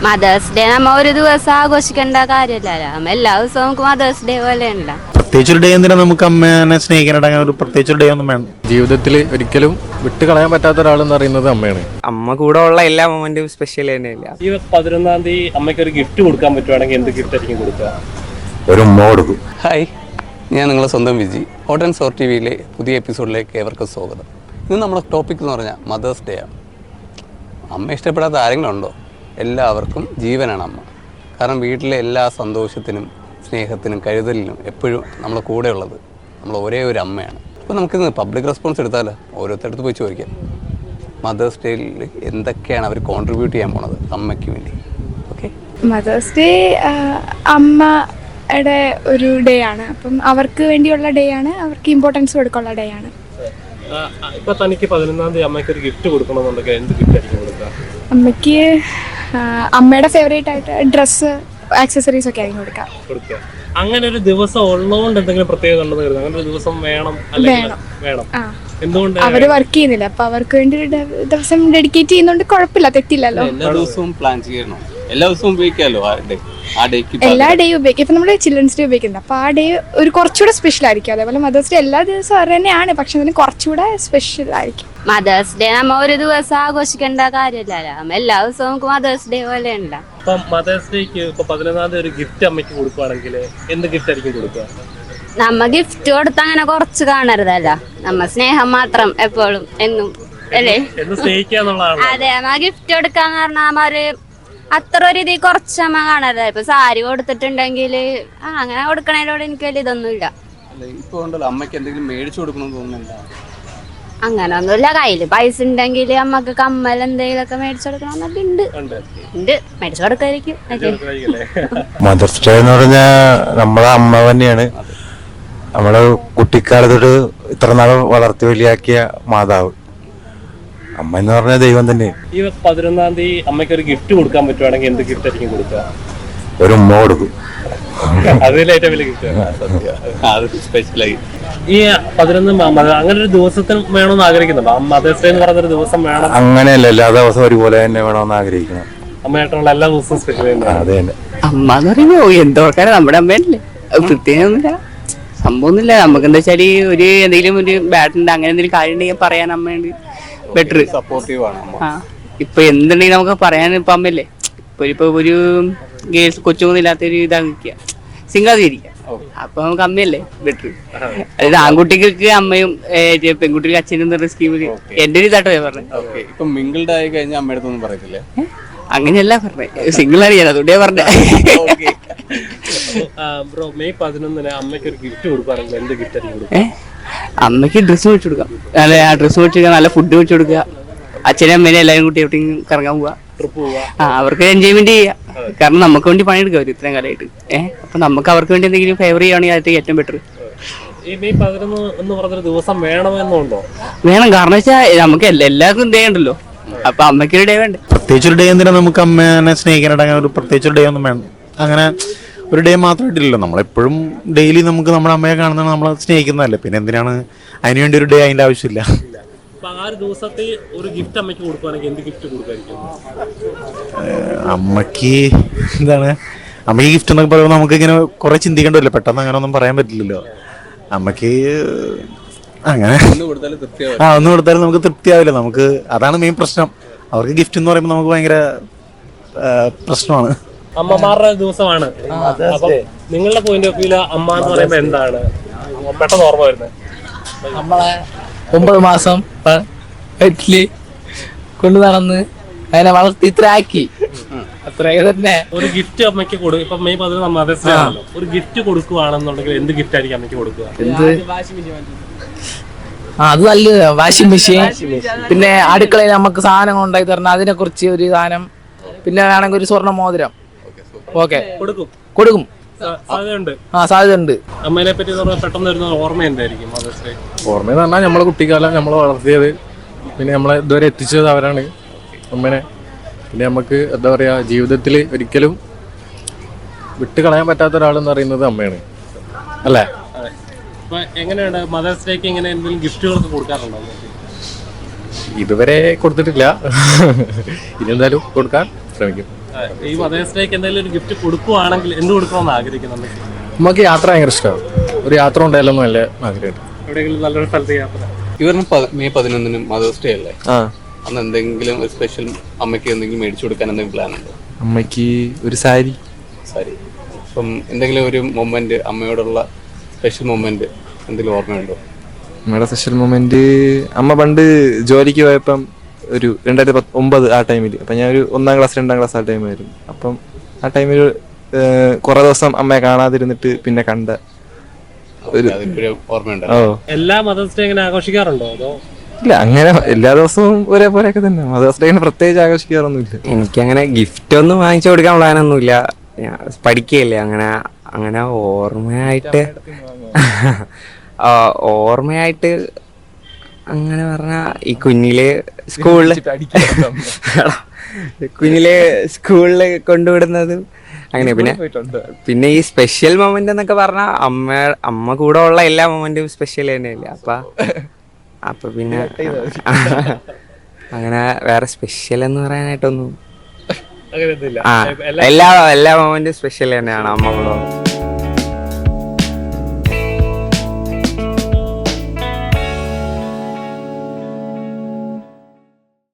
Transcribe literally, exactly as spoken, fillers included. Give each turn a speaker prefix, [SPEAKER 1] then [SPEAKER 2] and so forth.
[SPEAKER 1] Mothers day നമ്മ ഒരു ദിവസം ആഘോഷിക്കേണ്ട കാര്യമല്ലല്ലോ, നമ്മ എല്ലാ ദിവസവും നമുക്ക് മദേഴ്സ് ഡേ പോലെ ഉണ്ടോ.
[SPEAKER 2] പ്രത്യേകിച്ചൊരു ഡേ എന്തിനാ നമുക്ക് അമ്മേനെ സ്നേഹിക്കാനായിട്ട് ഒരു പ്രത്യേകിച്ചൊരു ഡേ ഒന്നും വേണം.
[SPEAKER 3] ജീവിതത്തിൽ ഒരിക്കലും വിട്ട് കളയാൻ പറ്റാത്ത ഒരാളെന്ന് പറയുന്നത് അമ്മയാണ്.
[SPEAKER 4] അമ്മ കൂടെ ഉള്ള എല്ലാ മൊമെന്റും സ്പെഷ്യൽ തന്നെയല്ല.
[SPEAKER 5] ഈ പതിനൊന്നാം തീയതി അമ്മയ്ക്ക് ഒരു ഗിഫ്റ്റ് കൊടുക്കാൻ പറ്റുവാണെങ്കിൽ എന്ത് ഗിഫ്റ്റ് ആയിരിക്കും കൊടുക്കുക?
[SPEAKER 2] ഒരു ഉമ്മ കൊടുക്കും.
[SPEAKER 6] ഹായ്, ഞാൻ നിങ്ങളെ സ്വന്തം വിജി. ഹോട്ട് ആൻഡ് സോർ ടി വിയിലെ പുതിയ എപ്പിസോഡിലേക്ക് ഏവർക്കും സ്വാഗതം. ഇന്ന് നമ്മുടെ ടോപ്പിക് എന്ന് പറഞ്ഞാൽ മദേഴ്സ് ഡേ ആണ്. അമ്മ ഇഷ്ടപ്പെടാത്ത ആരെങ്കിലും ഉണ്ടോ? എല്ലാവർക്കും ജീവനാണ് അമ്മ. കാരണം വീട്ടിലെ എല്ലാ സന്തോഷത്തിനും സ്നേഹത്തിനും കരുതലിനും എപ്പോഴും നമ്മളെ കൂടെ ഉള്ളത് നമ്മൾ ഒരേ ഒരു അമ്മയാണ്. അപ്പോൾ നമുക്കിന്ന് പബ്ലിക് റെസ്പോൺസ് എടുത്താലോ, ഓരോരുത്തരടുത്ത് പോയി ചോദിക്കാം മദേഴ്സ് ഡേയിൽ എന്തൊക്കെയാണ് അവർ കോൺട്രിബ്യൂട്ട് ചെയ്യാൻ പോണത് അമ്മയ്ക്ക് വേണ്ടി. ഓക്കെ,
[SPEAKER 7] മദേഴ്സ് ഡേ അമ്മയുടെ ഒരു ഡേ ആണ്. അപ്പം അവർക്ക് വേണ്ടിയുള്ള ഡേ ആണ്, അവർക്ക് ഇമ്പോർട്ടൻസ് കൊടുക്കാനുള്ള ഡേ ആണ്.
[SPEAKER 5] ഇപ്പൊ തനിക്ക് പതിനൊന്നാം തീയതി അമ്മയ്ക്ക് ഒരു ഗിഫ്റ്റ് കൊടുക്കണമെന്നുണ്ടെങ്കിൽ എന്ത് ഗിഫ്റ്റ് ആയിരിക്കും കൊടുക്കുക?
[SPEAKER 7] അമ്മയ്ക്ക് അമ്മയുടെ ഫേവറേറ്റ് ആയിട്ട് ഡ്രസ്സ്, ആക്സസറീസ് ഒക്കെ ആയിരിക്കും കൊടുക്കാം.
[SPEAKER 5] കൊടുക്കുക. അങ്ങനെ ഒരു ദിവസം ഉള്ളതുകൊണ്ട് എന്തെങ്കിലും പ്രത്യേകത ഉണ്ടെന്ന് കരുതുന്നത്? അങ്ങനെ ഒരു ദിവസം വേണം അല്ലെങ്കിൽ വേണം? എന്തുകൊണ്ട്? അവര് വർക്ക് ചെയ്യുന്നില്ല, അപ്പൊ അവർക്ക് വേണ്ടി ഒരു ദിവസം ഡെഡിക്കേറ്റ് ചെയ്യുന്നോണ്ട് കുഴപ്പമില്ല, തെറ്റില്ലല്ലോ.
[SPEAKER 6] എല്ലാ ദിവസവും പ്ലാൻ ചെയ്യണോ? എല്ലാ ദിവസവും ഉപയോഗിക്കാമല്ലോ ആ ഡേ, ആ ഡേക്ക്
[SPEAKER 7] എല്ലാ ഡേയും ഉപയോഗിക്കും. ഇപ്പൊ നമ്മള് ചിൽഡ്രൻസ് ഡേ ഉപയോഗിക്കുന്നത്, അപ്പൊ ആ ഡേ ഒരു കുറച്ചുകൂടെ സ്പെഷ്യൽ ആയിരിക്കും. അതേപോലെ മദേഴ്സ് ഡേ എല്ലാ ദിവസവും അത് തന്നെയാണ്, പക്ഷെ അതിന് കുറച്ചുകൂടെ സ്പെഷ്യൽ ആയിരിക്കും.
[SPEAKER 1] മദേഴ്സ് ഡേ നമ്മ ഒരു ദിവസം ആഘോഷിക്കേണ്ട കാര്യമല്ലല്ലോ, നമ്മ എല്ലാ ദിവസവും നമുക്ക് മദേഴ്സ് ഡേ പോലെ ഉണ്ടോ.
[SPEAKER 5] ഇപ്പൊ മദേഴ്സ് ഡേക്ക് ഇപ്പൊ പതിനൊന്നാം തീയതി ഒരു ഗിഫ്റ്റ് അമ്മയ്ക്ക് കൊടുക്കുവാണെങ്കിൽ എന്ത് ഗിഫ്റ്റ് ആയിരിക്കും കൊടുക്കുക?
[SPEAKER 1] നമ്മ ഗിഫ്റ്റ് കൊടുത്ത അങ്ങനെ കുറച്ച് കാണരുതല്ലോ, നമ്മ സ്നേഹം മാത്രം എപ്പോഴും എന്നും അല്ലേ,
[SPEAKER 5] സ്നേഹിക്കാന്നുള്ളതാണ്.
[SPEAKER 1] അതെ, നമ്മ ഗിഫ്റ്റ് കൊടുക്കാന്ന് പറഞ്ഞാൽ നമ്മ ഒരു അത്ര ഒരു ഇത് കുറച്ച് അമ്മ കാണരുത്. ഇപ്പൊ സാരി കൊടുത്തിട്ടുണ്ടെങ്കിൽ ആ അങ്ങനെ കൊടുക്കണതിനോട് എനിക്ക് വലിയ ഇതൊന്നുമില്ല.
[SPEAKER 6] ഇപ്പൊ ഉണ്ടല്ലോ അമ്മയ്ക്ക് എന്തെങ്കിലും മേടിച്ചു കൊടുക്കണമെന്ന് തോന്നുന്നുണ്ടോ?
[SPEAKER 1] അങ്ങനെ ഒന്നുമില്ല, കയ്യില് പൈസ ഉണ്ടെങ്കിൽ അമ്മക്ക് കമ്മൽ എന്തെങ്കിലും ഒക്കെ മേടിച്ചു കൊടുക്കണമെന്നൊക്കെ ഉണ്ട് ഉണ്ട് മേടിച്ചു കൊടുക്കായിരിക്കും.
[SPEAKER 2] മദേഴ്സ് ഡേ എന്ന് പറഞ്ഞാൽ നമ്മളെ അമ്മ തന്നെയാണ്. നമ്മള് കുട്ടിക്കാലത്തൊട്ട് ഇത്ര നാൾ വളർത്തി വലിയാക്കിയ മാതാവ് അമ്മ എന്ന് പറഞ്ഞ ദൈവം തന്നെ.
[SPEAKER 5] ഈ പതിനൊന്നാം തീയതി അമ്മയ്ക്ക് ഒരു ഗിഫ്റ്റ് കൊടുക്കാൻ പറ്റുവാണെങ്കിൽ എന്ത് ഗിഫ്റ്റ് ആയിരിക്കും കൊടുക്കുക?
[SPEAKER 2] ഒരു ഉമ്മ കൊടുക്കും.
[SPEAKER 5] അതിലേറ്റവും വലിയ ഗിഫ്റ്റ്. ഈ പതിനൊന്ന് അങ്ങനെ ഒരു ദിവസത്തിന് വേണമെന്ന് ആഗ്രഹിക്കുന്നുണ്ടോ? മദേഴ്സ് ഡേ എന്ന് പറയുന്ന ഒരു ദിവസം വേണം
[SPEAKER 2] അങ്ങനെയല്ല, എല്ലാ ദിവസവും ഒരുപോലെ തന്നെ വേണമെന്ന് ആഗ്രഹിക്കണം.
[SPEAKER 5] അമ്മയായിട്ടുള്ള എല്ലാ ദിവസവും സ്പെഷ്യൽ തന്നെ.
[SPEAKER 2] അതെ തന്നെ.
[SPEAKER 4] അമ്മ എന്ന് പറയുമ്പോ എന്തോക്കാരെ നമ്മുടെ അമ്മയല്ലേ, പ്രത്യേകമൊന്നുമില്ല, സംഭവമൊന്നുമില്ല. നമുക്ക് എന്താ വെച്ചാൽ ഒരു എന്തെങ്കിലും ഒരു ബാഡ് ഉണ്ട്, അങ്ങനെ എന്തെങ്കിലും കാര്യം ഉണ്ടെങ്കിൽ പറയാൻ അമ്മയുണ്ട് ബെറ്റർ,
[SPEAKER 6] സപ്പോർട്ടീവ് ആണ് അമ്മ.
[SPEAKER 4] ആ ഇപ്പൊ എന്തുണ്ടെങ്കിൽ നമുക്ക് പറയാൻ ഇപ്പൊ അമ്മയല്ലേ. ഇപ്പൊ ഇപ്പൊ ഒരു ഗേൾസ് കൊച്ചൊന്നും ഇല്ലാത്തൊരു ഇതാക്കിക്കുക, സിംഗാതിരിക്കുക, അപ്പൊ നമുക്ക് അമ്മയല്ലേ ബെറ്റർ. അതായത് ആൺകുട്ടികൾക്ക് അമ്മയും പെൺകുട്ടികൾക്ക് അച്ഛനും എന്നുള്ള സ്കീമിൽ എന്റെ ഒരു ഇതാട്ടോ പറഞ്ഞത്.
[SPEAKER 6] ഇപ്പൊ മിങ്കിൾഡ് ആയി കഴിഞ്ഞാൽ അമ്മയുടെ അടുത്തൊന്നും പറയത്തില്ലേ?
[SPEAKER 4] അങ്ങനെയല്ല പറഞ്ഞത്, സിംഗിൾ ആണ് ഞാൻ, അതുകൊണ്ടേ പറഞ്ഞ.
[SPEAKER 5] ബ്രോ, മെയ് പതിനൊന്നിന് അമ്മയ്ക്ക് ഒരു ഗിഫ്റ്റ് കൊടുക്കുകയാണെങ്കിൽ എന്ത് ഗിഫ്റ്റ് ആയിരിക്കും കൊടുക്കുക?
[SPEAKER 4] അമ്മയ്ക്ക് ഡ്രസ്സ് മേടിച്ചു കൊടുക്കാം, അല്ലെ ആ ഡ്രസ്സ് മേടിച്ചു കൊടുക്കുക, നല്ല ഫുഡ് മേടിച്ചു കൊടുക്കുക, അച്ഛനും അമ്മേനെ എല്ലാവരും കൂട്ടി എവിടെയും കറങ്ങാൻ പോവാ, ആ അവർക്ക് എൻജോയ്മെന്റ് ചെയ്യാം. കാരണം നമുക്ക് വേണ്ടി പണിയെടുക്കുക അവർ ഇത്രയും കാലമായിട്ട്. ഏഹ് അപ്പൊ നമുക്ക് അവർക്ക് വേണ്ടി എന്തെങ്കിലും ഫേവർ ചെയ്യുകയാണെങ്കിൽ അത് ഏറ്റവും ബെറ്റർ.
[SPEAKER 5] ഈ മെയ് പതിനൊന്ന് എന്ന് പറഞ്ഞൊരു ദിവസം വേണമെന്നുണ്ടോ?
[SPEAKER 4] വേണം, കാരണം വെച്ചാൽ നമുക്ക് എല്ലാവർക്കും ഡേ ഉണ്ടല്ലോ, അപ്പൊ അമ്മയ്ക്കൊരു ഡേ വേണ്ടേ.
[SPEAKER 2] പ്രത്യേകിച്ചൊരു ഡേ എന്തിനാ നമുക്ക് അമ്മേനെ സ്നേഹിക്കാനായിട്ട് അങ്ങനെ ഒരു പ്രത്യേകിച്ചൊരു ഡേ ഒന്നും വേണം. അങ്ങനെ ഒരു ഡേ മാത്രമായിട്ടില്ലല്ലോ, നമ്മളെപ്പോഴും ഡെയിലി നമുക്ക് നമ്മുടെ അമ്മയെ കാണുന്നതാണ്, നമ്മളെ സ്നേഹിക്കുന്നതല്ലേ, പിന്നെ എന്തിനാണ് അതിനുവേണ്ടി ഒരു ഡേ അതിൻ്റെ ആവശ്യമില്ല.
[SPEAKER 5] ആ ഒരു ദിവസത്തെ ഒരു ഗിഫ്റ്റ് അമ്മയ്ക്ക് കൊടുക്കുകയാണെങ്കിൽ എന്ത് ഗിഫ്റ്റ് കൊടുക്കായിരിക്കും?
[SPEAKER 2] അമ്മക്ക് എന്താണ്, അമ്മയ്ക്ക് ഗിഫ്റ്റ് എന്നൊക്കെ പറയുമ്പോൾ നമുക്ക് ഇങ്ങനെ കുറെ ചിന്തിക്കേണ്ടല്ലോ, പെട്ടെന്ന് അങ്ങനെ ഒന്നും പറയാൻ പറ്റില്ലല്ലോ. അമ്മക്ക് അങ്ങനെ ആ ഒന്നും കൊടുത്താലും നമുക്ക് തൃപ്തിയാവില്ല. നമുക്ക് അതാണ് മെയിൻ പ്രശ്നം. അവർക്ക് ഗിഫ്റ്റ് എന്ന് പറയുമ്പോൾ നമുക്ക് ഭയങ്കര പ്രശ്നമാണ്.
[SPEAKER 5] അമ്മമാരുടെ ദിവസമാണ്. അപ്പം നിങ്ങളുടെ പോയിന്റ് ഓഫ് വ്യൂല് അമ്മ എന്ന് പറയുമ്പോൾ എന്താണ് പെട്ടെന്ന് ഓർമ്മ വരുന്നത്?
[SPEAKER 8] നമ്മളെ ഒമ്പത് മാസം വീട്ടില് കൊണ്ടു നടന്ന് അതിനെ വളർത്തി ഇത്ര ആക്കി, അത്രയൊക്കെ തന്നെ.
[SPEAKER 5] ഒരു ഗിഫ്റ്റ് അമ്മയ്ക്ക് കൊടുക്കും. ഇപ്പൊ മെയ് പതിനൊന്ന് മദേഴ്സ് ഡേ ആണല്ലോ, ഒരു ഗിഫ്റ്റ് കൊടുക്കുകയാണെന്നുണ്ടെങ്കിൽ എന്ത് ഗിഫ്റ്റ് ആയിരിക്കും അമ്മയ്ക്ക് കൊടുക്കുക?
[SPEAKER 8] എന്ത് ആ അത് നല്ല വാഷിംഗ് മെഷീൻ, പിന്നെ അടുക്കളയിൽ നമുക്ക് സാധനങ്ങൾ ഉണ്ടാക്കി തരണം, അതിനെ കുറിച്ച് ഒരു സാധനം, പിന്നെ വേണമെങ്കിൽ ഒരു സ്വർണ്ണ മോതിരം. ഓക്കെ, കൊടുക്കും കൊടുക്കും
[SPEAKER 5] സാധ്യതയുണ്ട്.
[SPEAKER 8] ആ സാധ്യത ഉണ്ട്.
[SPEAKER 5] അമ്മേനെ പറ്റി പെട്ടെന്ന് വരുന്ന ഓർമ്മ എന്തായിരിക്കും മദേഴ്സ് ഡേ?
[SPEAKER 3] ഓർമ്മയെന്ന് പറഞ്ഞാൽ നമ്മളെ കുട്ടിക്കാലം നമ്മളെ വളർത്തിയത്, പിന്നെ നമ്മളെ ഇതുവരെ എത്തിച്ചത് അവരാണ് അമ്മേനെ. പിന്നെ നമുക്ക് എന്താ പറയാ, ജീവിതത്തിൽ ഒരിക്കലും വിട്ട് കളയാൻ പറ്റാത്ത ഒരാളെന്ന് പറയുന്നത് അമ്മയാണ്, അല്ലേ?
[SPEAKER 5] എങ്ങനെയാണ് മദേഴ്സ് ഡേക്ക് ഇങ്ങനെ എന്തെങ്കിലും ഗിഫ്റ്റുകളൊക്കെ കൊടുക്കാറുണ്ടോ?
[SPEAKER 3] ഇതുവരെ കൊടുത്തിട്ടില്ല, ഇനി എന്തായാലും കൊടുക്കാൻ ശ്രമിക്കും.
[SPEAKER 5] ഈ മദേഴ്സ് ഡേക്ക് എന്തെങ്കിലും ഒരു ഗിഫ്റ്റ് കൊടുക്കുവാണെങ്കിൽ എന്ത് കൊടുക്കണമെന്ന് ആഗ്രഹിക്കുന്നുണ്ട്?
[SPEAKER 3] നമുക്ക് യാത്ര ഭയങ്കര ഇഷ്ടമാണ്. ഒരു യാത്ര ഉണ്ടായാലും നല്ല ആഗ്രഹം.
[SPEAKER 5] എവിടെയെങ്കിലും നല്ലൊരു സ്ഥലത്ത് യാത്ര?
[SPEAKER 6] ഇവരുടെ മെയ് പതിനൊന്നിനും മദേഴ്സ് ഡേ അല്ലേ? അന്ന് എന്തെങ്കിലും ഒരു സ്പെഷ്യൽ അമ്മയ്ക്ക് എന്തെങ്കിലും മേടിച്ചു കൊടുക്കാൻ എന്തെങ്കിലും പ്ലാൻ ഉണ്ടോ?
[SPEAKER 9] അമ്മയ്ക്ക് ഒരു സാരി.
[SPEAKER 6] സാരി. അപ്പം എന്തെങ്കിലും ഒരു മൊമെന്റ്, അമ്മയോടുള്ള സ്പെഷ്യൽ മൊമെന്റ് എന്തെങ്കിലും ഓർമ്മയുണ്ടോ?
[SPEAKER 9] അമ്മയുടെ സ്പെഷ്യൽ മൊമെന്റ്, അമ്മ പണ്ട് ജോലിക്ക് പോയപ്പം ഒരു രണ്ടായിരത്തി പത്ത് ഒമ്പത് ആ ടൈമിൽ, അപ്പം ഞാൻ ഒരു ഒന്നാം ക്ലാസ് രണ്ടാം ക്ലാസ് ആ ടൈമായിരുന്നു. അപ്പം ആ ടൈമിൽ കുറെ ദിവസം അമ്മയെ കാണാതിരുന്നിട്ട് പിന്നെ കണ്ട ഒരു
[SPEAKER 6] ഓർമ്മയുണ്ടോ?
[SPEAKER 9] ഓ,
[SPEAKER 5] എല്ലാ മദേഴ്സ് ഡേ എങ്ങനെ ആഘോഷിക്കാറുണ്ടോ? അതോ
[SPEAKER 9] ഇല്ല, അങ്ങനെ എല്ലാ ദിവസവും ഒരേപോലെയൊക്കെ തന്നെ. മദേഴ്സ് ഡേ അങ്ങനെ പ്രത്യേകിച്ച് ആഘോഷിക്കാറൊന്നുമില്ല.
[SPEAKER 10] എനിക്കങ്ങനെ ഗിഫ്റ്റ് ഒന്നും വാങ്ങിച്ചു കൊടുക്കാൻ പ്ലാനൊന്നുമില്ല. പഠിക്കുകയല്ലേ, അങ്ങനെ അങ്ങനെ ഓർമ്മയായിട്ട് ഓർമ്മയായിട്ട് അങ്ങനെ പറഞ്ഞ ഈ കുഞ്ഞില് സ്കൂളില് കുഞ്ഞില് സ്കൂളില് കൊണ്ടുവിടുന്നതും അങ്ങനെ. പിന്നെ പിന്നെ ഈ സ്പെഷ്യൽ മൊമെന്റ് എന്നൊക്കെ പറഞ്ഞാൽ അമ്മ അമ്മ കൂടെ ഉള്ള എല്ലാ മൊമെന്റും സ്പെഷ്യൽ തന്നെയല്ലേ. അപ്പൊ അപ്പൊ പിന്നെ അങ്ങനെ വേറെ സ്പെഷ്യൽ എന്ന് പറയാനായിട്ടൊന്നും
[SPEAKER 5] അങ്ങനെയൊന്നുമില്ല.
[SPEAKER 10] ആ എല്ലാ എല്ലാ മൊമെന്റും സ്പെഷ്യൽ തന്നെയാണ് അമ്മ കൂടെ.